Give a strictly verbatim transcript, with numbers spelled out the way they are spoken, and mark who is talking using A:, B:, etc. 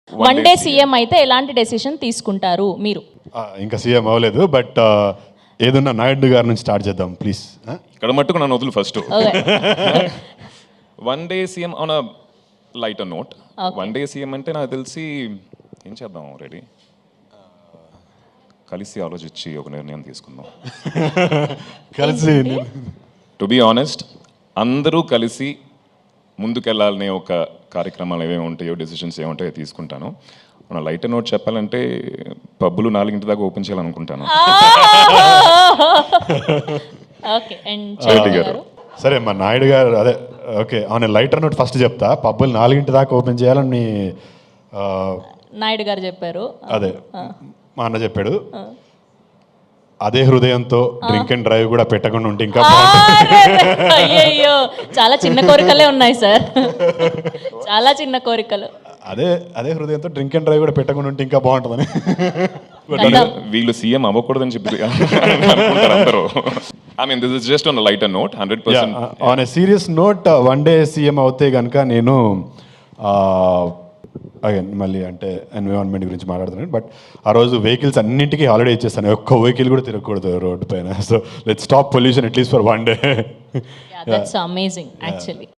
A: One day CM అయితే ఎలాంటి decision తీసుకుంటారు మీరు?
B: ఆ, ఇంకా సీఎం అవ్వలేదు, బట్ ఏదన్నా నాయుడు గారి నుంచి స్టార్ట్ చేద్దాం ప్లీజ్.
C: ఇక్కడ మట్టుకు నన్ను వదులు first.
A: Okay.
C: One day CM on a lighter note. One day CM అంటే నాకు తెలిసి ఏం చేద్దాం ఆల్రెడీ కలిసి ఆలోచించి ఒక నిర్ణయం తీసుకుందాం.
B: కలిసి
C: టు బీ ఆనెస్ట్, అందరూ కలిసి ముందుకెళ్ళాలనే ఒక కార్యక్రమాలు ఏమేమి ఉంటాయో, డెసిషన్స్ ఏముంటాయో తీసుకుంటాను. మన లైటర్ నోట్ చెప్పాలంటే పబ్బులు నాలుగింటి దాకా ఓపెన్ చేయాలనుకుంటాను.
A: Okay, and Chaitanya garu?
B: సరే మా నాయుడు గారు అదే okay on lighter note first చెప్తా. పబ్బులు నాలుగింటి దాకా ఓపెన్ చేయాలని ఆ,
A: నాయుడు గారు చెప్పారు.
B: అదే మా అన్న చెప్పాడు. అదే హృదయంతో డ్రింక్ అండ్ డ్రైవ్ కూడా పెట్టకుండా ఉంటే ఇంకా
A: అయ్యయ్యో, చాలా చిన్న కోరికలే ఉన్నాయి సార్, చాలా చిన్న కోరికలు.
B: అదే అదే హృదయంతో డ్రింక్ అండ్ డ్రైవ్ కూడా పెట్టకుండా ఉంటే ఇంకా బాగుంటుందని.
C: వీళ్ళు సీఎం అవ్వకూడదని చెప్పి అనుకుంటారు అందరూ. I mean this is just on lighter note. Hundred percent
B: on a serious note, one day CM అవుతే కనుక నేను అగైన్ మళ్ళీ అంటే ఎన్విరాన్మెంట్ గురించి మాట్లాడుతున్నాను. బట్ ఆ రోజు వెహికల్స్ అన్నింటికీ హాలిడే ఇచ్చేస్తాను, ఒక్క వెహికల్ కూడా తిరగకూడదు రోడ్డు పైన. So let's stop pollution at least for one day.
A: That's amazing actually.